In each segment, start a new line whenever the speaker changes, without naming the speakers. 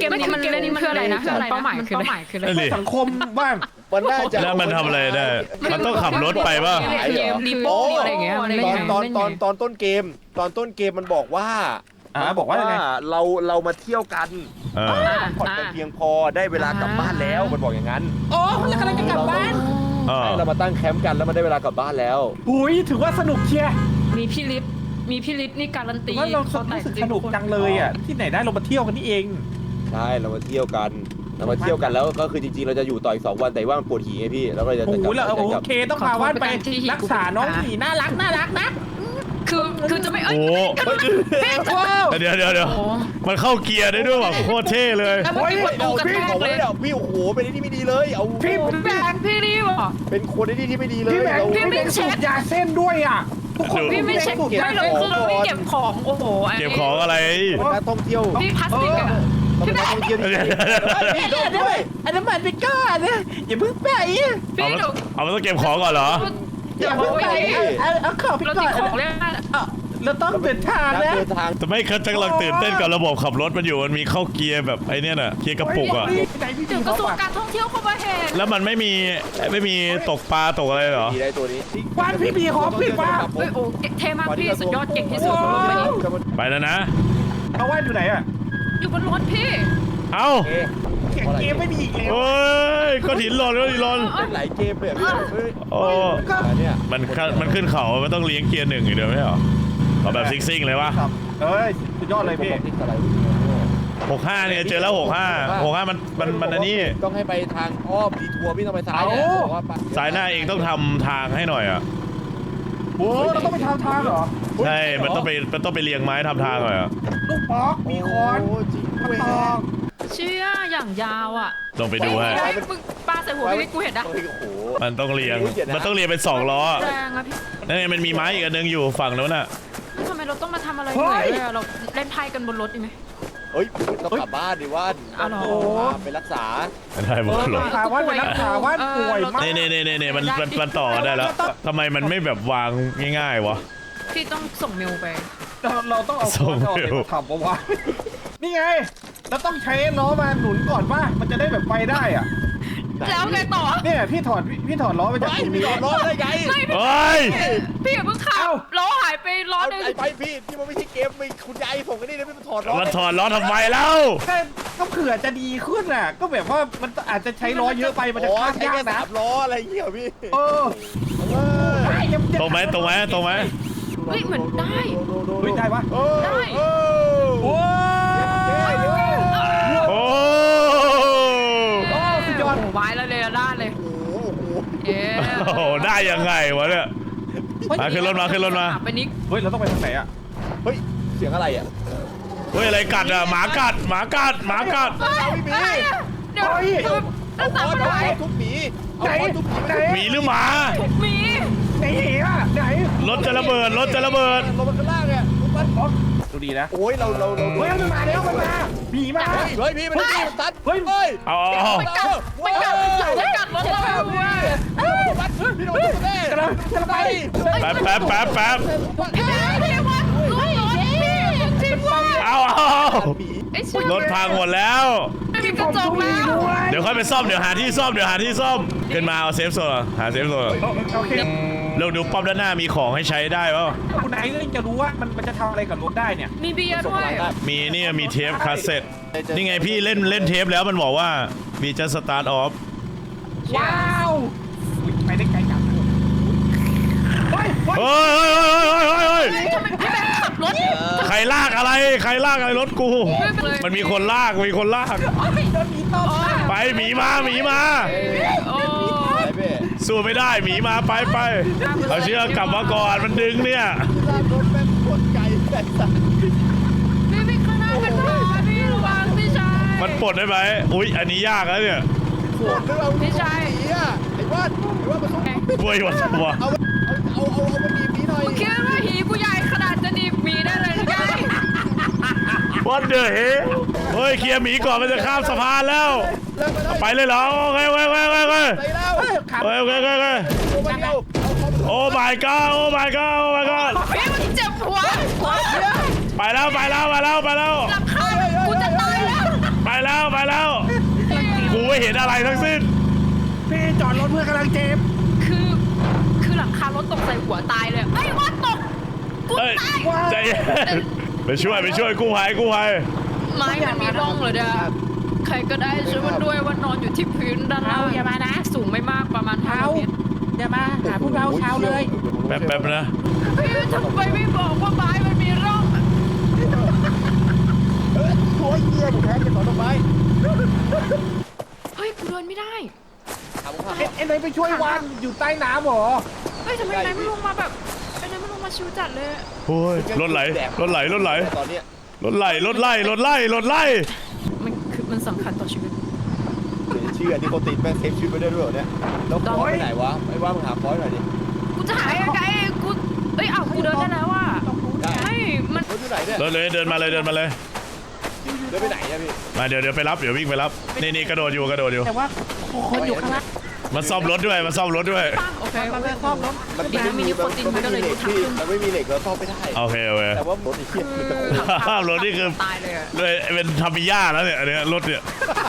มนี้มันเล่นเพื่ออะไรนะเป้าหมายคืออะไร
สังคมบ้าง
มันน่าจะ
แล้วมันทำอะไรได้มันต้องขับรถไปป่ะ
รีโป้อะไรอย่างเงี้ย
ตอนต้นเกมมันบอกว่า
บอกว่ายังไง
เรามาเที่ยวกันผ่อนกันเพียงพอได้เวลากลับบ้านแล้วมันบอกอย่างนั้น
โอ้เรากำลังจะกลับบ้าน
เรามาตั้งแคมป์กันแล้วมันได้เวลากลับบ้านแล้ว
หุยถือว่าสนุกเชียร์
มีพี่ลิฟนี่การันตี
ว่าเรารู้สึกสนุกจังเลยอ่ะที่ไหนได้เรามาเที่ยวกันนี่เอง
ใช่เรามาเที่ยวกันแล้วก็คือจริงๆเราจะอยู่ต่ออีก2 วันแต่ว่ามันปวดหีไงพี่แล้วก็จะ
โอ้โหแล้ว
กลับ
โอเคต้องพาว่านไปรักษาน้องหมีน่ารักนะ
คือจะไม่เอ้ย
โอ้เดี๋ยวมันเข้าเกียร์ได้ด้วยว่ะโคตรเท่เลย
แล้วมันประตูกระแทกเลย
พี่โอ้โหเป็นที่ไม่ดีเลยเอา
พี่แบง
พี่รีบอ่ะ
เป็นคนที่ไม่ดีเลย
พี่แบงสูบยาเส้นด้วยอ่ะทุกคน
พี่ไม่เช็คไม่ลงคือเราไม่เก็บของโอ้โห
เก็บของอะไร
นักท่องเที่ยว
พี่พลาสติกอ่ะ
ต้องเป็นนักท่องเที่ยวที่
ด้วยอันนั้นมันไปก้อนนะอย่าเพิ่งไป
พี่หนู
เอามันต้องเก็บของก่อนเหรอ
อย่าบอกว่าอย่างนี้
เอาขอไป
เรา
ก่
ติ
อ
ด
น
ของเล่น
เราต้องเดินทางนะ
เดินทาง
แต่ไม่เขากำลังตื่นเต้นกับระบบขับรถมันอยู่มันมีเข้าเกียร์แบบไอ้เนี่ยน่ะเกียร์กระปุกอ่ะ
ถึงกระทรวงการท่องเที่ยวเข้ามาเห็น
แล้วมันไม่มีตกปลาตกอะไรเหรอ
ได้ตัวนี้
วันพี่มีของพี่ว่า
โอ้เท่มากพี่สุดยอดเก่งที่สุดของโลกใบนี้
ไปแล้วนะ
เอาว่านอยู่ไหนอ่ะ
อยู่บนรถพี่
เอ้า
เกมไม่มีอีกแล้ว
โอ้ยก็หินหล่นก็หินหล่น
หลายเกมเลยพี่
โอ้
เนี่ย
มันขึ้นเขามันต้องเลี้ยงเกียร์1อยู่เดียวไม่เหรอเอาแบบซิ่งๆเลยวะ
เอ้ยสุดยอดเลยพี่
65เนี่ยเจอแล้ว65มันอันนี้
ต้องให้ไปทางอ้อมดีทัวร์พี่ต้องไปซ้ายว่า
สายหน้าเองต้องทำทางให้หน่อยอ่ะ
โอ้เราต้องไปทางเหรอ
ใช่มันต้องไปเรียงไม้ทำทางหน่อยอ่ะ
ลูกป๊อกมีคอน
จริง
กระ
ด้วย
ตอก
เชี่ยอย่างยาวอ่ะ
ลองไปดูให้
มึงปาใส่หัวพี่กูเห็นนะ
โอ้โห
มันต้องเรียงเป็น2 ล้อ
แรงอะพี่
นั่นไงมันมีไม้อีกอันนึงอยู่ฝั่งนู้นน่ะ
ทำไมเราต้องมาทำอะไรเหนื่อยด้วยเราเล่นไพ่กันบนรถดีไหม
เฮ้ยต้องกลับบ้านดิว่านไปรักษา
ได้หมดเลย
ถามว่าเป็นนักข่าวว่าป่วยมาก
นี่มันต่อได้แล้วทำไมมันไม่แบบวางง่ายๆวะ
พี่ต้องส่งเมลไป
เราต้องเอาคอนออกมาทำปะวะนี่ไงเราต้องใช้ล้อมาหนุนก่อนว่ามันจะได้แบบไปได้อ่ะ
แล้วไงต่อ
เนี่ยพี่ถอดล้อมาจากตรงนี้
จอดรถได้ไง
เฮ้ย
พี่อย่าเพิ่งขับล้อหายไปล้อนึง
ไอ้ไปพี่ที่มันไม่ใช่เกมมีคุณยายส่งกันนี่นะพี่มันถอดล้อ
มันถอดล้อทำไมแล้ว
ก็เผื่อจะดีขึ้นอ่ะ ก็แบบว่ามันอาจจะใช้ล้อเยอะไปมันจะข้าม
ใช้
ยาก
แค่
นะ
3 ล้ออะไรเงี้ยพี่
ตรงไหม
เฮ้ยเหมือนได้
ได้ปะ
ได้
โอ้
โอ้
โอ้สุดยอด
โอ้ไม้แล้วเลยด้านเลยเย้
โหได้ยังไงวะเนี่ยมาขึ้นรถมา
ไปนิก
เฮ้ยเราต้องไปทางไหนอ่ะ
เฮ้ยเสียงอะไรอ่ะ
เฮ้ยอะไรกัดอ่ะหมากัด
เดี๋ยวรักษาปัญหา
ทุบหมี
ไหน
หมีหรือหมา
มี
ไหนอ่ะไหน
รถจะระเบิด
ลงมาข้างล่างเนี่ย
ดูดีนะ
โอ้ยเรา
เฮ้ยมันมาแล้วมันมาผีมา
เฮ้ยพี่มันตัด
เฮ้ย
เอา
ไม่กัดรถเรา
พี่โดนแน่
กำลังไป
แป๊บ
พี่วัดรถพี่จริงว่า
เอา
ไอ้ชิ
รถพังหมดแล้ว
มีกระจกแล้ว
เดี๋ยวค่อยไปซ่อมเดี๋ยวหาที่ซ่อมขึ้นมาเอาเซฟโซนหาเซฟโซน
โอเค
เราดูป้อมด้านหน้ามีของให้ใช้ได้ป่ะ
คุณไหนก็จะรู้ว่ามันจะทำอะไรกับรถได้เนี่ย
มีเบียร์ด้วย
มีเทปคาสเซ็ตนี่ไงพี่เล่นเทปแล้วมันบอกว่ามีจะสตาร์ทออฟ
ว้าวไปได้ไกลจังเฮ้ย
เฮ้ย
ทำไมพี่แบงค์ขับรถ
ใครลากอะไรรถกู มันมีคนลาก
โดนผีตบ
ไปหมีมา
โอ้
สู้ไม่ได้หมีมาไปเอาเชือกกลับมาก่อนมันดึงเนี่ย
รถแม่งโคตรไกลแต่สัตว์
พี่วิ่งข้างหน้าเป็นบ้าพี่ระวังพี่ชาย
มันปลดได้ไหมอุ๊ยอันนี้ยากแล้วเนี่ย
โคตรเรา
พี่ชาย
หนีอ่ะไอ้ว่านมันต้อง
บ้วยวันตัว
เอามันดีหน่อย
คิดว่าหีกูใหญ่ขนาดจะดีมีได้เลยไง
What the hell เฮ้ยเคลียร์หมีก่อนมันจะข้ามสะพานแล้วไปเลยเหรอโอเค
ไปแล้ว
โอเค
ตัวเดียว
โอ้ my god โอ้ my god โอ้ my god
พี่มันเจ็บหัว
ไปแล้ว
หลังคากูจะตายแล้ว
ไปแล้วแล้ว กูไม่เห็นอะไรทั้งสิ้น
พี่จอดรถเพื่อนกำลังเจ็บ
คือหลังคารถตกใส่หัวตายเลยไอ้ยว่าตกกู
เฮ้ย
ตาย
ใจเย็นไปช่วยกู้ภัย
ไม้มันมีร่องเลยเด้อใครก็ได้ช่วยมันด้วยว่านอนอยู่ที่พื้นด้านล่างอย่ามานะสูงไม่มากประมาณ5 เมตร
อย่ามาหาพวกเราเช้าเลย
แป๊บนะ
พี่ทำไมไม่บอกว่าไม้มันมีร่อง
โอ้ยเหี้ยผมแพ้จะต่อต้นไม้
เฮ้ยกูเดินไม่ได้
ถามผมว่า
เอ็นไหนไปช่วยวันอยู่ใต้น้ำเหรอ
เฮ้ยทำไมนายไม่ลงมาแบบไอ้นายไม่ลงมาชิวจัดเลย
โอ้ยรถไหล
ตอนเนี้ย
รถไหล
มันสำคัญต่อชีวิต
เชื่อที่เขาติดแม่งเซฟชีวิตไปได้ด้วยเหรอเนี่ยแล้วฟอยไปไหนวะไม่ว่ามึงหาฟอยหน่อยดิ
กูจะหายยังไงกูเอ้ยอ้าวกูเดินได้แล้วว่ะ
ได้
เฮ้ยมัน
รถอยู่ไหนเนี่ย
รถเลยเดินมาเลย
เดินไปไหนอะพี่
มาเดี๋ยวไปรับเดี๋ยววิ่งไปรับนี่กระโดดอยู่
แต่ว่าคนอยู่ข้างล่าง
มันซ่อมรถด้วย
ปังโอเค
มันไม่ครอบรถ
มันไม่มีเหล็กพี่มันไม่มีเหล็กเราซ่อมไม่ได้
โอเค
แต่ว่ารถไอ้เหี้ยมันจะ
รถนี่คือ
ตายเลยอะ
เลยเป็นทามิย่าแล้วเนี่ยอันเนี้ยรถเนี่ย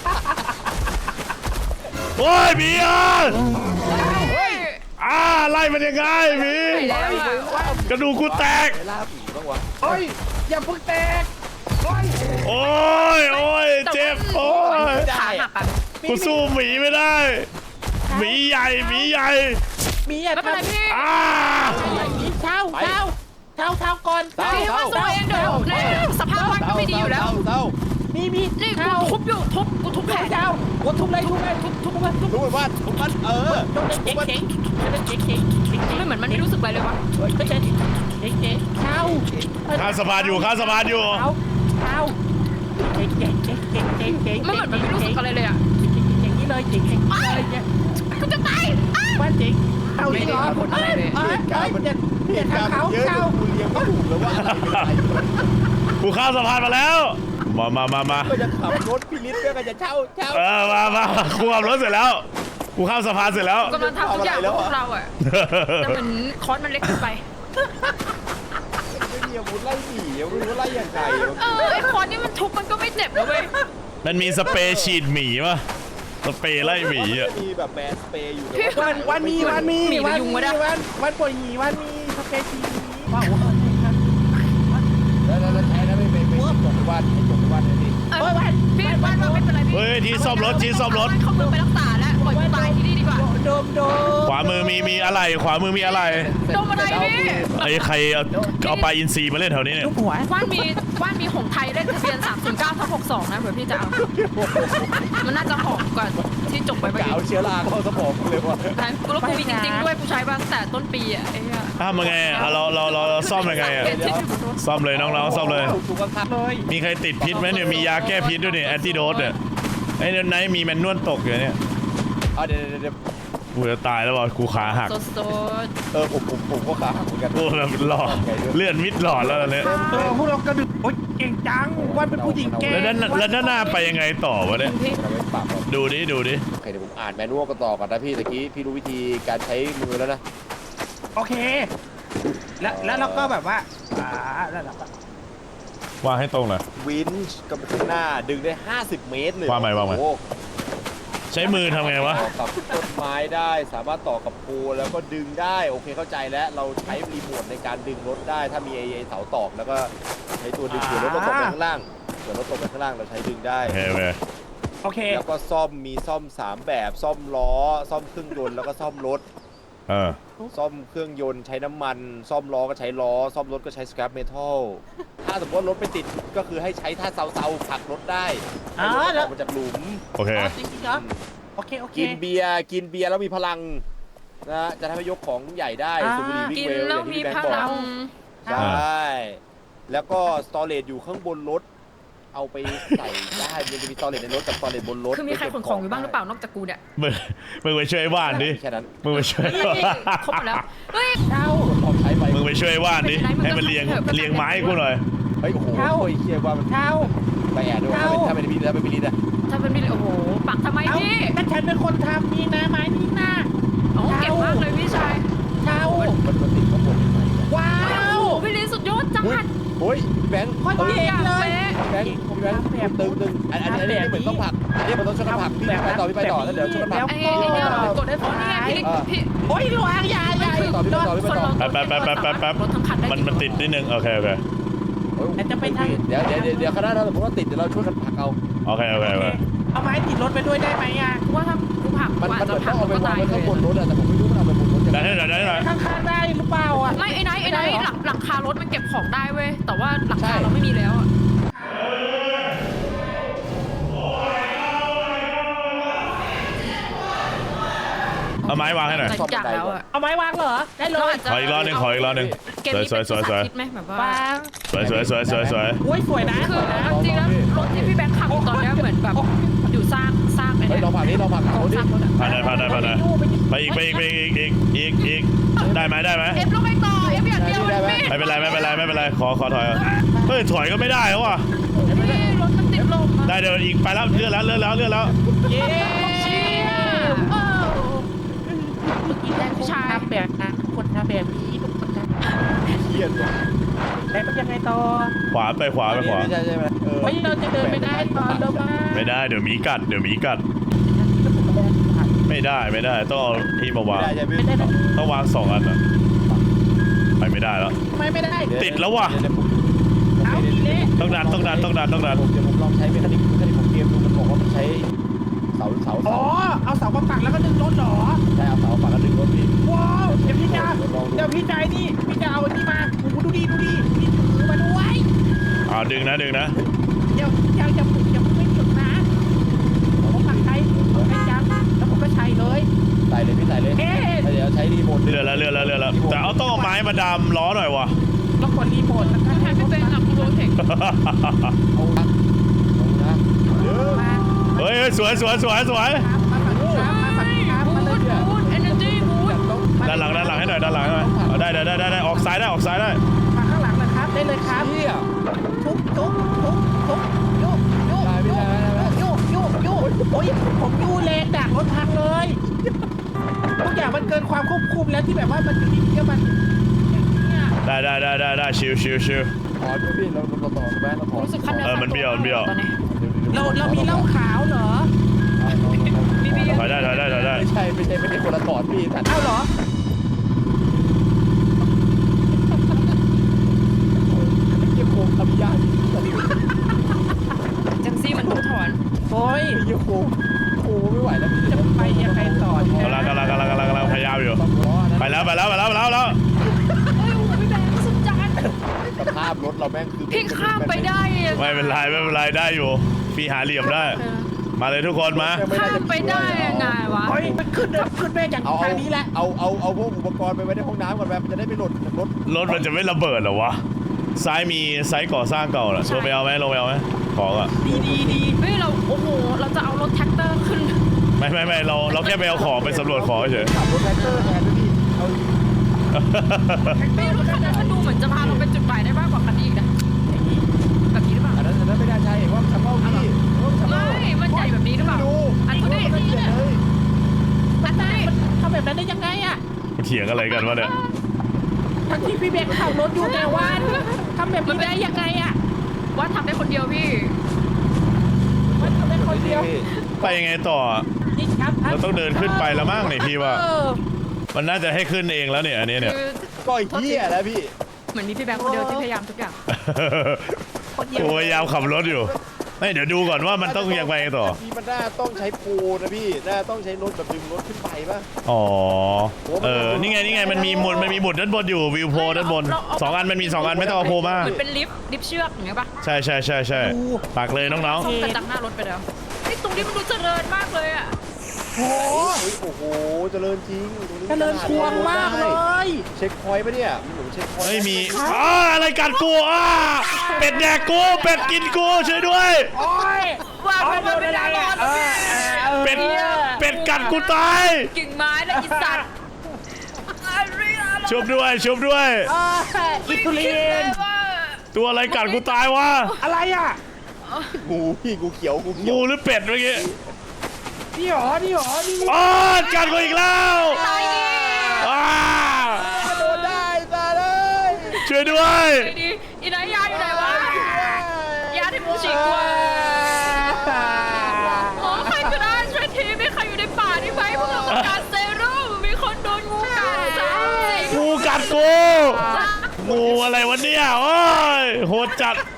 โอ้ยหมีไล่มันยังไงหมี
ไปแล้วอะ
กระดูกกูแตก
ไปล่าผีบ้างวะ
เฮ้ยอย่าเพิ่งแตกเฮ้ย
โอ้ยเจ็บโอ้ย
ขาหักอะ
กูสู้หมีไม่ได้หมีใหญ่
มีอะ
ไม่เป็นไรพี่
เช้าก่อน
พี่ว่าตัวเองเดี๋ยวเนี่ยสภาพบ้านก็ไม่ดีอยู่แล้ว
เศร้า
มี
นี่กูทุบอยู่กูทุบแผล
เช้าวัดทุบเลยทุบมันทุบ
รู้ไหมว่าผมมัน
เจ๊ง
ไม่เหมือนมันไม่รู้สึกอะไรเลยวะ
เช้า
ข้ามสะพานอยู่
เช้าเจ๊ง
ไม่เหมือนมันไม่รู้สึกอะไรเลยอะ
อย่างนี้เลยเจ๊ง
กูจะตาย
บ้านเจ๊งเอาจริงเหรอ
เหตุการณ์เยอะกูเลี้ยงไม่ถูกแล้วว่าอะไรเป็นอะไร
กูข้ามสะพานมาแล้วมา
ก็จะขับรถพี่ลิศก็จะเช่า
มากูขับรถเสร็จแล้วกูข้ามสะพานเสร็จแล้ว
กำลังทำทุกอย่างพวกเราอะแต่เหมือนคอนมันเล็กเกินไป
ไม่มีอาวุธไล่หนีไม่รู้ไล่ยังไง
ไอ้คอนนี่มันทุบมันก็ไม่เจ็บนะเว้ย
มันมีสเปรย์ฉีดหมีป่ะสเปรย์ไล่หมีอ่ะ
มีแบบแมสเปรย์อยู่
วันมีวันปวดหีวันมีสเปชีว้าว
แล้วใช้แล้วไม่จบในวันให้จบในวันเลยดิ
พี่บ้านว่าไม่เป็นไรพี่
เฮ้ยที่ซ่อมรถ
เขาเมืองไปรักษาแล้วปล่อยกูตายที่นี่ดีกว่า
โดม
ขวามือมีอะไรขวามือมีอะไร
โดนอะไรพี่
ไอ้ใครเอาปลาอินทรีมาเล่นแถวนี้เนี่ย
ลูกหัว
ว่านมีหงไทยเลขทะเบียน309/62นะเผื่อพี่จะเอามันน่าจะหอมกว่าที่จบไปเมื่อกี้
เอาเชื้อราเข้าสมองเลยว่ะ
กูแล้วกูมีจริงๆด้วยกูใช้มาตั้งแต่ต้นปีอ่ะไอ้เหี้ย
ทำยังไงอ่ะเราซ่อมยังไงอ่ะซ่อมเลยน้องๆซ่อมเลย
ถูกข้าง
เลย
มีใครติดพิษไหมเนี่ยมียาแก้พิษด้วยเนี่ยแอนติโดสเนี่ยไอ้ไหนมีแมนนวลตกอยู่เนี่ย
เดี๋ยว
กูจะตายแล้วว่ะกูขาหัก
สด
ผมก็ขาหักเหมือนกัน
กูแบบหลอดเลื่อนมิดหลอดแล้วเนี่ย
พวกเรากระดึกโอ๊ยเก่งจังวันเป็นผู้หญิงเก่ง
แล้วด้านหน้าไปยังไงต่อวะเนี่ย
ๆพี่
เราไม่ปรับ
ดูดิ
โอเคเดี๋ยวผมอ่านแมนนวลกันต่อก่อนนะพี่ตะกี้พี่รู้วิธีการใช้มือแล้วนะ
โอเค แล้วเราก็แบบว่าแล้วเราก็
ว่าให้ตรงเลย
วินช์กับข้างหน้าดึงได้50 เมตรเลย
ว่าไง ใช้มือทำไงวะ
ต่อกับต้นไม้ได้สามารถต่อกับโพลแล้วก็ดึงได้โอเคเข้าใจแล้วเราใช้รีโมทในการดึงรถได้ถ้ามีไอ้เสาตอกแล้วก็ใช้ตัวดึงเผื่อรถเราตกไปข้างล่างเผื่อรถตกไปข้างล่างเราใช้ดึงได้
โอเค
แล้วก็ซ่อมมีซ่อม3แบบซ่อมล้อซ่อมเครื่องยนต์แล้วก็ซ่อมรถ ซ่อมเครื่องยนต์ใช้น้ำมันซ่อมล้อก็ใช้ล้อซ่อมรถก็ใช้สครับเมทัลถ้าสมมติว่ารถไปติดก็คือให้ใช้ท่าเซาๆผลักรถได้ให้รถออกมาจากหลุม
โอเค
จริงเหรอโอเค
กินเบียร์แล้วมีพลังนะจะทำให้ยกของใหญ่ได้สูบบุหรี่วิ่
กิ
ง
น
เวลอ
แล้ว
ย่างที่
มี
พี่แบง
พ
ค์บอก
ลัง
ใช่แล้วก็สตอเรจอยู่ข้างบนรถเอาไปใส่ได้มันจะมีสตอเรจในรถกับสตอเรจบนรถ
คือมีใครขนของอยู่บ้างหรือเปล่านอกจากกูเนี่ย
มึงไปช่วยว่านดิ
แค่นั้น
มึงไปช่วย
ครบหมดแล้วเฮ้ย
เช้า
พอใช้ไป
มึงไปช่วยว่านดิ ให้มันเรียงไม้กูหน่อย
เฮ้ยโอ้โหเฮียว่ามัน
เช้า
ไปแอบด้วยถ้าเป็นพี่ลิศอะ
ถ้าเป็นพี่โอ้โหปักทำไมพี่
แต่ฉันเป็นคนทำนี่นะไม้นี่นะ
โอ้เก่งมากเลยพี่ชาย
เช้า
มันติดข้างบน
ว้า
โอ้
ว
โหพี่ลินสุดยอดจัง
โอ้ยพี่แบงค์
โคตรเก่งเลย
พี่แบงค์ตึงอันนี้เหมือนต้องผักอันนี้มันต้องช่วยกันผักพี่ไปต่อแล้วเดี๋ยวช่วยกันผัก
ไอ้เนี่ยกดได้ผลนี่ไงพี่
โอ้ยระวังอย่า
คนเราทั้งคันได้
มันติดนิดนึงโอเค
จะไปทาง
เดี๋ยวคณะถ้าสมมติว่าติดเดี๋ยวเราช่วยกันผักเอา
โอเค
เอาไม้ติดรถไปด้วยได้ไหมอ่ะ
ว่าถ้ากูผัก
มัน
อาจ
เหมื
จะ
อนต้
ผั
อก งเอาไป
ก็
วา
ตาง ย
ไว้ข้างบนรถแต่ผมไม่รู้มันเอาไปบนรถ
ได้หน่อย
ข้างๆได้หรือเปล่าอ่ะ
ไม่ไอ้ไหนหลังคารถมันเก็บของได้เว้ยแต่ว่าหลังคาเราไม่มีแล้วอ่ะ
เอาไม้วางให้หน่อย
แต่จากแล้วอ่ะ
เอาไม้วางเหรอได้เลย
ขออีกรอบนึง
เกมนี้เป็นภาษาคิดไหมแบบว่าว
าง
สวย
โอ้ยสวยนะ
คือจริงแล้วรถที่พี่แบงค์ขับตอนนี้เหมือนแบบอยู่สร้างไอ้
เฮ้ย
เนี่ย
ลองผักนี้ลองผัก
ก
เขา
อง
ดิ
สร้างรถอ่ะ
ผ่านได้ไปอีกได้ไหม
เอฟลงไปต่อเอฟอย่างเดียวไม่
ไม่เป็นไรขอถอยเฮ้ยถอยก็ไม่ได้แล้วว่ะ
รถมันติดลม
ได้เดี๋ยวอีกไปแล้วเลื่อนแล้ว
เย้
เชี่ย
แรงผู้ชายแบบนะคนทำแบบนี้ทุกคนทำ
เฮียนว่ะ
แล้วมันยังไงต่อ
ขวาไปขวา
ใช่ไหม
ไม่เราจะเดินไปได้ตอนเรามา
ไม่ได้เดี๋ยวหมีกัดไม่ได้ต้องเอาที่มาวาง
ได้ใช่ไหม
ไม่ได้นะ
ต้องวาง2 อันอะไปไม่ได้แล้ว
ทำไมไม่ได้
ติดแล้วว่ะ
เอาอีเละ
ต้องดัน
เดี๋ยวผมลองใช้เมคานิกของเกมดูมันบอกว่ามันใช้เสา
อ๋อเอาเสามาปักแล้วก็ดึงรถเหรอ
ใช่เอาเสาฝั่งละดึงรถพี่
ว้าวเดี๋ยวพี่จะนี่พี่จะเอาอันนี้มาโอ้โหดูดีพี่ถือมาด้วย
ดึงนะ
เดี๋ยวอย่าไม่หยุดนะผมปักใช้ไม่ยั้งแล้วผมก็ใช้เลย
ใส่เลยพี่ใส่เลย
เอ๊ะ
เดี๋ยวใช้รีโมท
เลื่อนแล้วแต่เอาต้องเอาไม้มาดามล้อหน่อยวะ
แล้วกดรีโมทแล้วก็
แทนพี่เป็นกับโรเทค
เอานะเยอะ
มา
เฮ้ยสวย
มาฝั่งนี้ครับมาเลย
บูทเอเนอร์จีบูท
ด้านหลังให้หน่อยเอาได้ออกซ้ายได้
มาข้างหลังนะครับได้เลยครับ
เฮีย
ทุบโยโอ้ยผมยูเลนดักรถพังเลยทุกอย่างมันเกินความควบคุมแล้วที่แบบว่ามันอยู่ดีๆมันอย่างนี้
ได้ชิว
ขอด้วยพี่เราต่อแม่เราขอ
รู้สึกคัน
มันเบี้ยว
ตอนนี้
เรามีเหล้าขาวเหรอ
ถอยได้
ไม่ใช่คนละถอดพี่แต่
เอ้าเหรอ
เยี่ยโคงทำยาก
จังซี่มันต้องถอน
โอ้ย
เยี่ยโคงไม่ไหวแล้ว
จะไปยังไงต่อดี
กำลังพยายามอยู่
ต้องล้อนะ
ไปแล้ว
เฮ้ยโอ้โหพี่แบงค์สุดจัด
สภาพรถเราแม่งคือ
พี่ข้ามไปได้อะ
ไม่เป็นไรได้อยู่พี่หาเหลี่ยมได้ มาเลยทุกคนมา
ข้ามไปได้ยังไงวะ
โอ้ยมันขึ้นแม่อย่าง
เอา
ทางนี้แหละ
เอาพวกอุปกรณ์ไปไว้ในห้องน้ำก่อนแบบมันจะได้ไม่หล่นรถ
รถมันจะไม่ระเบิดเหรอวะซ้ายมีไซต์ก่อสร้างเก่าน่ะลงไปเอาไหมของอ่ะ
ดี
เฮ้ยเราโอ้โหเราจะเอารถแท็กเตอร์ขึ้น
ไม่เราแค่ไปเอาของไปสำรวจของเฉย
ขับรถแท็กเตอร์แทนด้วยพี่เอา
ไม่รถคันนั้นมันดูเหมือนจะพาเราไปจุดหมายได้มากกว่าคันนี้อีกนะแบบนี้หรือเปล่า
อันนั้นไม่ได้ใช่ว่าชักเป้าพี่
ไม่มันใหญ่แบบนี้หรือเปล่าอันนี้
มันเปลี่ยนเลย
มันทำแบบนั้นได้ยังไงอ่ะ
เถียงอะไรกันวะเนี่ย
ทั้งที่พี่เบนขับรถอยู่แต่ว่าทำแบบนี้ได้ยังไงอ่ะ
ว่าทำได้คนเดียวพี่
มันทำได้คนเดียว
ไปยังไงต่อ
นี่ครับ
เราต้องเดินขึ้นไปแล้วมั้งเนี่ยพี่ว่า
เออ
มันน่าจะให้ขึ้นเองแล้วเนี่ยอันนี้เนี่ย
คือ
ก็ไอ้เหี้ยแล้วพี่
เหมือนมีพี่แบงค์คนเดียวที่พยายามทุกอย่าง
คนเดียว
โอ้ยยาวขับรถอยู่ไม่เดี๋ยวดูก่อนว่ามันต้องยังไงต่อ
พี่มันน่าต้องใช้โปรนะพี่น่าต้องใช้รถแบบดึงรถขึ้นไปป่ะ
อ๋อนี่ไงมันมีหมุดด้านบนอยู่วิวโพด้านบน2 อันมันมี2 อันไม่ต้องเอาโพมา
เหมือนเป็นลิฟต์เชือกอย่างเงี้ยป่ะ
ใช่ปักเลยน้อง
ส่งกระจังหน้ารถไปแล้วไอ้ตรงนี้มันดูเจริญมากเลยอ่ะ
โอ้
โอ้โหเจริญจริง
เจริญพวงมากเลย
เช็คพอยต์ปะเนี่ยมีหนูเช็คพอยต์
ไม่มีอะไรกัดกูเป็ดแดกกูเป็ดกินกูช่วยด้วย
โอ้ย
ว่ามันไม่ได้รอดแล้วพี่
เป็ดกัดกูตาย
กิ่งไม้และอีสัตว์
ชุบด้วย
อิสุลิน
ตัวอะไรกัดกูตายวะ
อะไรอ่ะ
งูพี่งูเขียว
งูหรือเป็ดเมื่อกี้
นี่หรอ
กัดกูอีกแล้ว
ตายดิ
โดนได้ตาเลย
ช่วยด้วย
ไอ้ดิอีนายยาอยู่ไหนวะฉีกว่าอ๋อใครก็ได้ช่วยทีมีใครอยู่ในป่านี่ไหมพวกเราต้องการเซรุ่มมีคนโดนงูกัดจ้า
งูกัดกูงูอะไรวะเนี่ยโอ้ยโหดจัด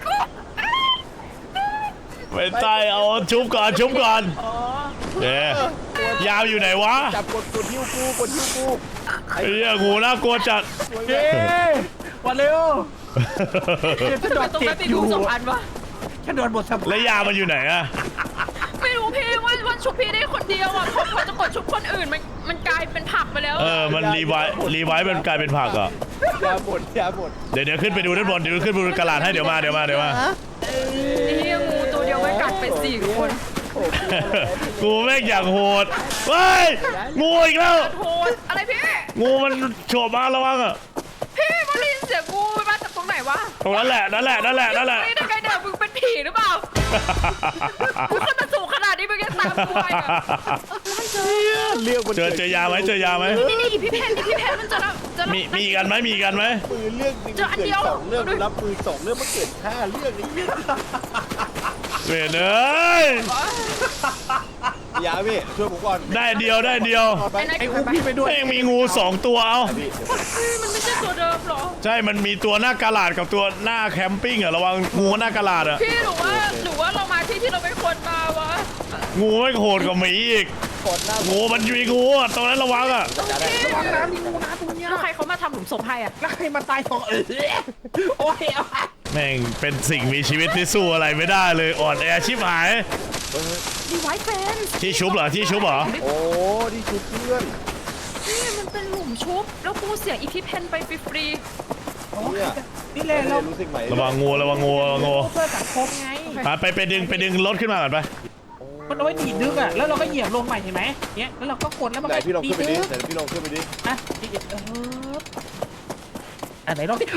ไม่ใช่เอาชุบก่อนเอ๊ะยาวอยู่ไหนวะ
จับกดหิ้วกู
ไอ้เนี่ยงูน่ากลัวจัด
เย้วันเร็วฉันโดน
ตรง
เจ็
นั้
บ
นมี
อ
ดู
ยู่
2 อันวะ
ฉันโดนบทสม
แล้วยามันอยู่ไหนอะ
ไม่รู้พี่ว่าชุบพี่ได้คนเดียวอ่ะพอจะกดชุบคนอื่นมันกลายเป็นผักไปแล้ว
มันรีไวท์มันกลายเป็นผักอ่ะ
ยาหมด
เดี๋ยวขึ้นไปดูด้านบนเดี๋ยวขึ้นไปดูกระดาษให้เดี๋ยวมา
นี่งูตัวเดียวไม่กัดเป็ด4 คน
กูแม่งอยากโหดเฮ้ยงูอีกแล้ว
โหดอะไรพี่
งูมันโฉบมาระวังอ่ะ
พี่มาได้ยินเสียงงูมันมาจากตรงไหนวะ
ตรงนั้นแหละนั่นแหละ
ไม่ได้ไงเดี๋ยวมึงเป็นผีหรือเปล่ามึงขึ้นมาสูงขนาดนี้มึงยังตามกูไปอ่ะ
เรื่องมัน
เจอยาไหม
นี่พี่เพนมันจะ
มีกันไหม
มือเรื่องนึงเกิด2 เรื่องรับมือ2 เรื่องมันเกิด5 เรื่องนี้
เวรเอ้ย
ยาพี่ช่วยผมก่อน
ได้เดียว
ไอ้
อุ้มพี่ไปด้วย
แม่งมีงู2 ตัวเอา
มันไม่ใช่ตัวเดิมหรอ
ใช่มันมีตัวหน้ากระดาษกับตัวหน้าแคมปิ้งอ่ะระวังงูหน้ากระดาษอ่ะ
พี่หรือว่าเรามาที่เราไม่ควรมาวะ
งูไม่โหดกว่าหมีอีก
กดหน้า
งูมันมีงูอ่ะตรงนั้นระวังอ่ะ
ระวังน้ำมีงูน้ำตรงเนี้ย
แล้วใครเขามาทำหลุมศพให้อ่ะ
แล้วใครมาตาย2โอ้ยเอา
แม่งเป็นสิ่งมีชีวิตที่สู้อะไรไม่ได้เลยอ่อนแอชิบหาย
ดีไวท์เฟน
ที่ชุบเหรอ
โอ้ที่ชุบเพื่อน
นี่มันเป็นหลุมชุบแล้วกูเสียอีพีเพนไปฟรี
เนี่ย
นี่แหละเรา
รู้สึกไหม
ระวังงู
เพื่อสังคมไง
ไปดึงรถขึ้นมาก่อนไป
มันเอาไว้ดีดดึกอ่ะแล้วเราก็เหยียบลงใหม่เห็นไหมเนี้ยแล้วเราก็กดแล้วมัน
ไหน
ก็
พี่ลอง
ดี
ขึ้นไป
ดึ
ดิ
ก
ไหนพี่ลองขึ้นไปดิ
อ่ะอันไหนลองดิ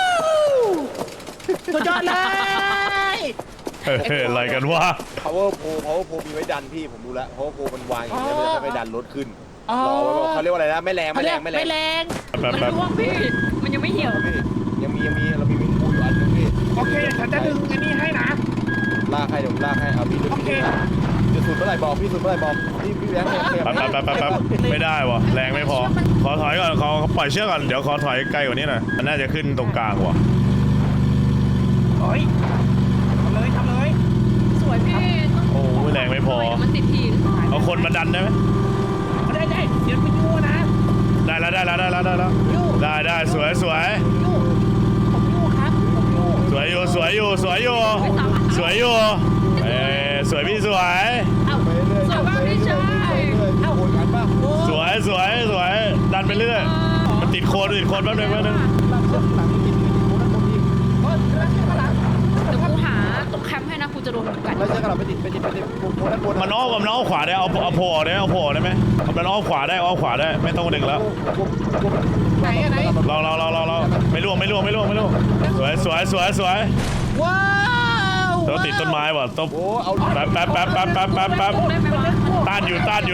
สุดยอดเลย
อะไรกันวะ
power pole มีไว้ดันพี่ผมรู้แล้ว power pole มันวางอย่างนี้มันจะไปดันรถขึ้นรอไว้เขาเรียกว่าอะไรนะไม่แรง
ไม่แรง
ๆมันร่วงพี่มันยังไม่เหี่ยว
พี่ยังมีเรามีงูอยู่อันนึงพี่
โอเคฉันจะดึงอันนี้ให้นะ
ลากให้เดี๋ยวลากให้เอาพี่ดึงพี่จะสุดเมื่อไหร่บอกพี่สุดเมื่อไหร่บอกพี่แบงค์
แป๊บไม่ได้วะแรงไม่พอขอถอยก่อนขอปล่อยเชือกก่อนเดี๋ยวขอถอยไกลกว่านี้หน่อยมันน่าจะขึ้นตรงกลางว่ะ
โอ้ยทำเลย
สวยพี่
โอ้ยแรงไม่พอ
มันติดหิน
เอาคนมาดันได้ไหม
ได้เดี๋ยวไปยูนะ
ได้แล้วได้สวย
ยูผมยูครับผมยู
สวยอยู่สวยพี่สวย
สวยมากพี่ชาย
โหดกันป่ะ
สวยดันไปเรื่อยมันติดโคนแป๊บนึง
หลังกินงูนั่นคนที่
เดี๋ยวกูหาตรงแคมป์ให้นะกูจะโดนกัด
แล้วจะกลับไปติดงูนั่นคน
มันอ้อมขวาได้เอาโผล่ได้ไหมมันอ้อมขวาได้ไม่ต้องดึงแล้ว
ไหน
เราไม่ล่วงสวย
ว้าว
ต้องติดต้นไม้ว่ะต้อง
โอ้เอา
แป๊บ
ได้ไหมวะ
ต้านอยู่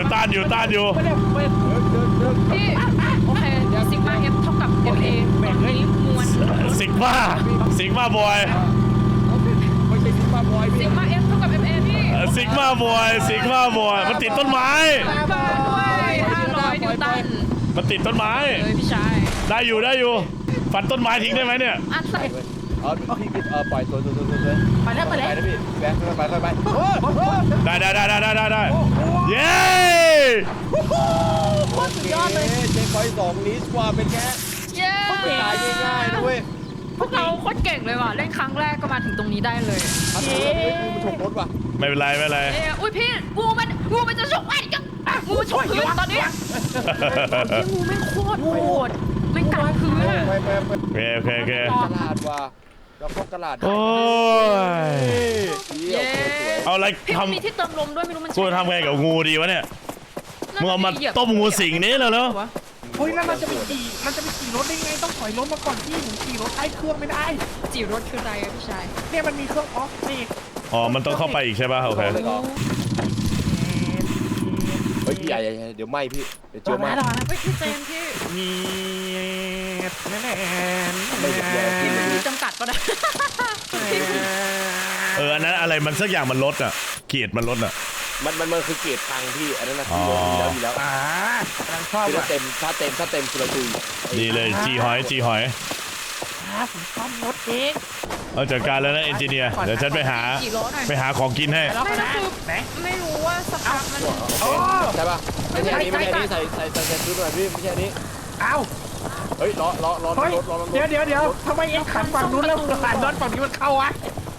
พี่โอเคซิกมา F เท่ากับ MA
แบ่งเลย
มวล
สิกมาบอย
ไม่ใช่ซิกมาบอย
ซิ
พี่
กมา F เท่ากับ MA พี่
สิกมาบอยมันติดต้นไม้
บ้าด้วย500 นิวตัน
มันติดต้นไม้
เลยพี่ชาย
ได้อยู่ฟันต้นไม้ทิ้งได้ไหมเนี่ย
อันใส่
พี่ปล่อยตัว
ไปแล้ว
ไปนะพี่แบงค์ค่อยไป
ได้เย้
สุดยอดเลยเจ๊คอย2ลิสว่าเป็นแค่
เย้
ตายง่ายๆนะเว้ย
พวกเราโคตรเก่งเลยว่ะเล่นครั้งแรกก็มาถึงตรงนี้ได้เลย
มันชมรถว่ะ
ไม่เป็นไร
อุ้ยพี่งูมันจะฉกไอ้กันงูมันฉกพื้นตอนนี้งูแม่งโคตรโหดแม่งกัดพื้นอะ
โอเค
ตลาดว่ะเราเข้าตลาด
โอ้ย
เย้
เอาอะไร
พี่
ท
มันมีที่เติมลมด้วยไม่รู้มัน
ำกูทำไงกับงูดีวะเนี่ยมึงเอามาต้มงูสิงนี้แล้ว
เฮ้ยแล้วมันจะไปขี่รถได้ไงต้องถอยรถมาก่อนพี่ผมขี่รถใช้เครื่องไม่ได้
จีรถคืออะไรอะพี่ชาย
เนี่ยมันมีเครื่องออฟนี่
อ๋อมันต้องเข้าไปอีกใช่ป่ะโอเค
เฮ้ยใหญ่เดี๋ยวไหมพี่เดี๋ยวเจอไหม
เฮ้ยพี่เจมพี่
มีแน่
ไม่เดี๋ยวกินเลย
มีจำกัดปะนะ
อันนั้นอะไรมันสักอย่างมันลดอ่ะเกียรติมันลดอ่ะ
มันคือเกรดพังพี่อันนั้นนะ
อ๋อ
มีแล้ว
กำลังชอบ
คือ
ว่ะ
ถ้าเต็มคือเราตุย
ดีเลยจีหอยจีหอย
ผมซ่อมรถเอง
เอาจัดการแล้วนะเอนจิเนียร์เดี๋ยวฉันไปหา
กี่ล้อหน่อย
ไปหาของกินให้
แล้ว
ไม่
ก็
ก็
นะ
คือ
ไหน
ไม่รู้ว่าสภาพมัน
โอ้
ใช่ป่ะไม่ใช่อันนี้ไม่ใช่อันนี้ใส่ชุดหน่อยพี่ไม่ใช่อันนี้
เอ้า
เฮ้ยล้อ
เฮ้ย
รถล้อรถ
เดี๋ยวทำไมเอ็งขันฝั่งนู้นแล้วขันรถฝั่งนี้มันเข้าวะ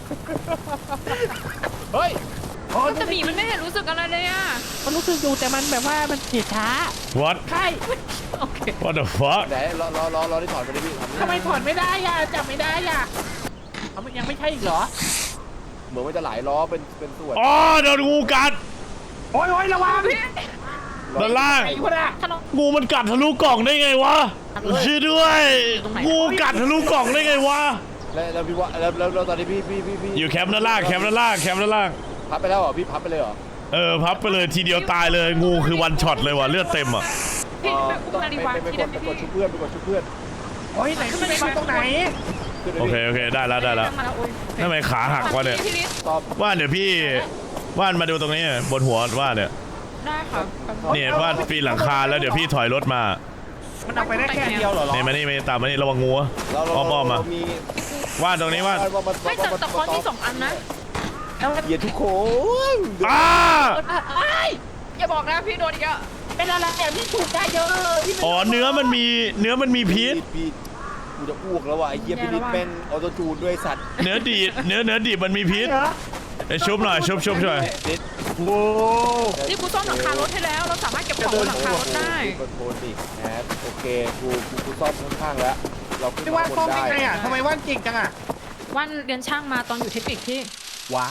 เฮ้ย
โอ้
แต่หมีมันไม่เห็นรู้สึกอะไรเลยอ่ะ
มันรู้สึกอยู่แต่มันแบบว่ามันเสียช้า
what
ใช่
โอเค
what the fuck
ไหนล้อที่ถอดไปดิพี่
ทำไมถอดไม่ได้อ่ะจับไม่ได้อ่ะเอามันยังไม่ใช่อีกเหรอ
เหมือนมันจะหลายล้อเป็นส่วน
อ๋อโดนงูกัด
โอ้ยระวัง
ด้านล่าง
ไอ้คนอะ
ถนน
งูมันกัดทะลุกล่องได้ไงวะช่วยด้วยงูกัดทะลุกล่องได้ไงวะ
แล้วพี่ว่าแล้วตอนนี้พี่
อยู่แคมป์ด้านล่างแคมป์ด้านล่างแคมป์ด้านล่าง
พับไปแล้วเหรอพี่พับไปเลยเหรอ
พับไปเลยทีเดียวตายเลยงูคือวันช็อตเลยว่ะเลือดเต็มอ่ะ
พี่ไป
ต้อง
นาฬิกา
ไป
ที่
ก
ได้
ด
ไหม
ไปก
พี่
ดชุบเพื่อนไปกดชุบเพื่อน
โอ้ยไหนขึ้นไปตรงไหน
ขึ้นไป
โอเค
พี่
โอเคได้แล้วได้แล้ว
มาแล้วโอ้ย
ทำไมขาหักวะเนี่ย
พี่ลิศ
ตอบ
ว่านเดี๋ยวพี่ว่านมาดูตรงนี้บนหัวว่านเนี่ย
ได้ครับ
เนี่ยว่านปีนหลังคาแล้วเดี๋ยวพี่ถอยรถมา
มันเอาไปได้แค่เดียวเหรอ
เนี่ยมานี่มาตามมานี่ระวังงูอะอ้อมๆมา
มี
ว่านตรงนี้ว่าน
ไม่แต่คอนที่2 อันนะ
เหยียดทุกคน
อ้า
อย่าบอกนะพี่โดนอีกอ่ะ
เป็นอะไรอ่ะพี่ถูกได้เยอะพี่
อ๋อเนื้อมันมีพิษ
พี่กูจะอ้วกแล้วว่ะไอ้เหี้ยพี่นิดแม่งออโตจูนด้วยสัตว์
เนื้อดีดเนื้อดิบมันมีพิษ
เหรอ
ไอ้ชุบหน่อยชุบหน่อย
นิด
โอ้
นี่กูซ่อมหลังคารถให้แล้ว เราสามารถเก็บของบนหลังคารถได้
คอนโทรลดิแอบโอเคกูซ่อมข้างๆแล้วเราขึ้น
ที่
มา
ว่าน
บ
ซ่อม
น
ได้
ได้
ไงอ่ะทำไมว่านเก่งจังอ่ะ
วันเรียนช่างมาตอนอยู่เทคนิคที่
ว้าว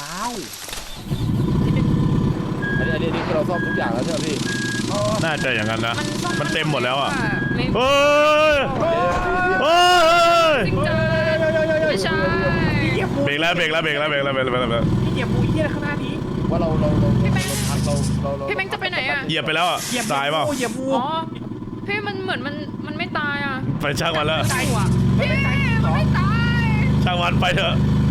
อันนี้คือเราซ่อมทุกอย่างแล้วใช่ไหมพี่
น่าจะอย่างนั้นนะ
ซ่อ
มันเต็มหมดแล้วอ่ะ
ไม่
เฮ้ยเฮ้ย
จริงจังไม่ใช่
เหยียบมู
เบรกแล้ว
พี่เหยียบมูเยี่ยข้างหน้านี้
ว่าเรา
พี่แบงค์จะไปไหนอ่ะ
เหยียบไปแล้วอ่ะ
เหยียบ
ตายเปล่า
เหยียบมู
อ๋อ พี่มันเหมือนมันไม่ตายอ่ะ
ไปช่างมันแล้ว
ตายว่ะพี่มันไม่ตาย
ช่างมันไปเถอะ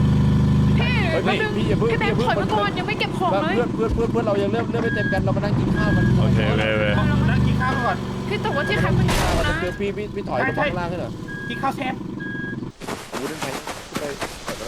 พี่แบงค์ถอยมาก่อนยังไม่เก็บของเลย
เพื่อนเรายังเริ่มไม่เต็มกันเรามานั่งกินข้าวกัน
โอเค
นั่งกินข้าวก่อน
พี่แต่ว่าที่แคมป์มันอยู่นะ
คือพี่ถอยไปข้างล่างขึ้นเหรอ
กินข้าวแซ่บ
วูดนแทงขึ้นไปแล้ว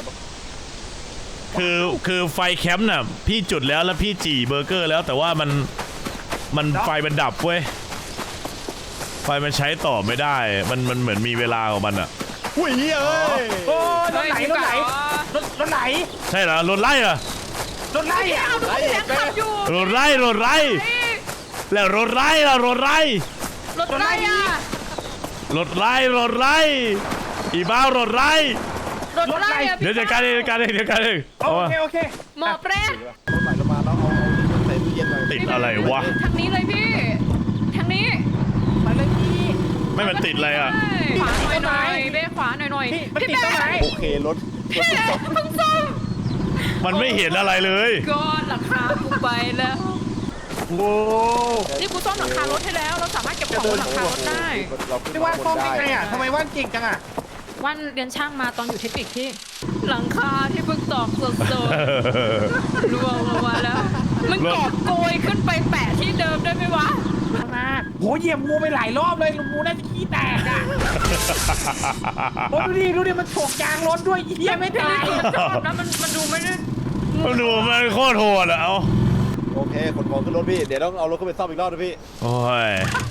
คือไฟแคมป์น่ะพี่จุดแล้วพี่จี่เบอร์เกอร์แล้วแต่ว่ามันไฟมันดับเว้ยไฟมันใช้ต่อไม่ได้มันเหมือนมีเวลาของมันอ่ะอุ้ยเอ้ย
โอ้รถไหลรถไหล
ใช่เหรอรถไล่เหรอ
รถไหล
พี่
อ่ะ
เอาดูพี่แบงค์ขับอยู่
รถไล่แล้วรถไล่ล่ะรถไล่
รถไรอ่ะ
รถไล่อีบ้ารถไล่
รถไรอ่ะ
เดี๋ยวจัดการเองเอา
โอ
วะ
เค
หมอเปรต
รถใหม่เรามาแล้วเอาใส่ตู้เย็นหน่อย
ติดอะไรวะ
ทางนี้เลยพี่ทางนี้
ไปเลยพี่
ไม่มันติดอะไรอ่ะ
ขวาหน่อยเบ้ขวาหน่อย
พี่มันติดต้นไม้
โอเครถ
พี่เพิ่งซ่อม
มันไม่เห็นอะไรเลย
ก้อนหลังคากูไปแล้ว
โอ้
นี่กูซ่อมหลังคารถให้แล้ว เราสามารถเก็บของบนหลังคารถได้
ที่ว่านซ่อมได้ไงอ่ะทำไมว่านเก่งจังอ่ะ
วันเรียนช่างมาตอนอยู่เทคนิคที่ หลังคาที่เพิ่งตอกสดๆร่วงลงมาแล้วมันกอบโกยขึ้นไปแปะที่เดิมได้ไหมวะ
มา
โหเหยียบงูไปหลายรอบเลยงูน่าจะขี้แตกอ่ะโอ้ดูดิมันฉกยางรถด้วยเยี่ยไม่ได้
ชอบนะมันดูไม่ได้
มันดูมันโคตรโหดอะเอา
โอเคขนของขึ้นรถพี่เดี๋ยวต้องเอารถขึ้นไปซ่อมอีกรอบนะพี่
โอ้ย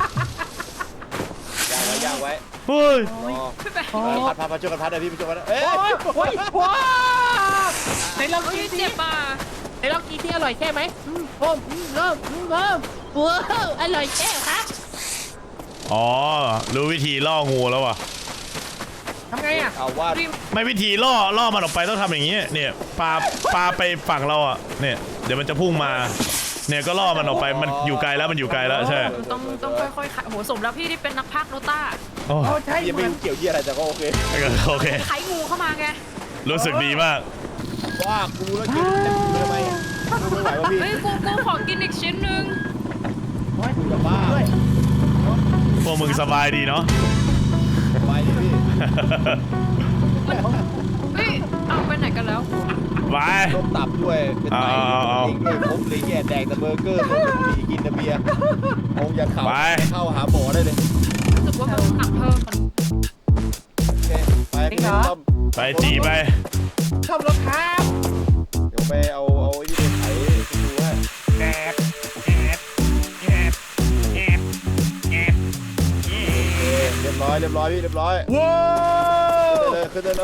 ย่างไว้
เฮ้ย
พี่แบงค์
พัดช่วยกันพัดเลยพี่ช่วยกันเอ้ย
โอ้ยในเรา
เฮ้ย
กิน
เจ็บอ่ะ
ไอ้ล็อกกี้ที่อร่อยแค่ไหมเริ่มว้าวอร่อยแค่ครับ
อ๋อรู้วิธีล่องูแล้วว่ะ
ทำไงอ่ะ
เอาว่า
ไม่วิธีล่อมันออกไปต้องทำอย่างนี้เนี่ยปลาไปฝั่งเราอ่ะเนี่ยเดี๋ยวมันจะพุ่งมาเนี่ยก็ล่อมันออกไปมันอยู่ไกลแล้วใช่
ต้องค่อยๆขายโหสมแล้วพี่ที่เป็นนักพากย์โนต้า
โอ้
โอ้ใช่
ยัง
เหมื
ไม่
อน
เกี่ยวเยี่ยอะไรแต่ก็โอเค
โอเค
ไขงูเข้ามาไง
รู้สึกดีมาก
ว่ากูแล้วกินเต็มทำไมกูไม่ไหววะพี่
เฮ้ยกูขอกินอีกชิ้นหนึ่ง
จะบ้า
พวกมึงสบายดีเนาะ
ไปดิพี่
เฮ้ยเอาไปไหนกันแล้ว
ไป
ต้มตับด้วยเป็นไต
เอา
เองด้วยครบเลยแย่แดงแต่เบอร์เกอร์ต้มบุหรี่กินแต่เบียร์คงอย่าเข่าเข้าหาหมอได้เลย
รู้สึกว่ามันหนักเพิ่ม
โอเคไปพี่ต้อม
ไปจีไป
ชอบรถครับ
เดี๋ยวไปเอาไอ้นี่ไปไถดูว่า
แอบแอบแอบแอบแอบ
เรียบร้อยพี่เรียบร้อย
ว้าว
ขึ้นได้เลย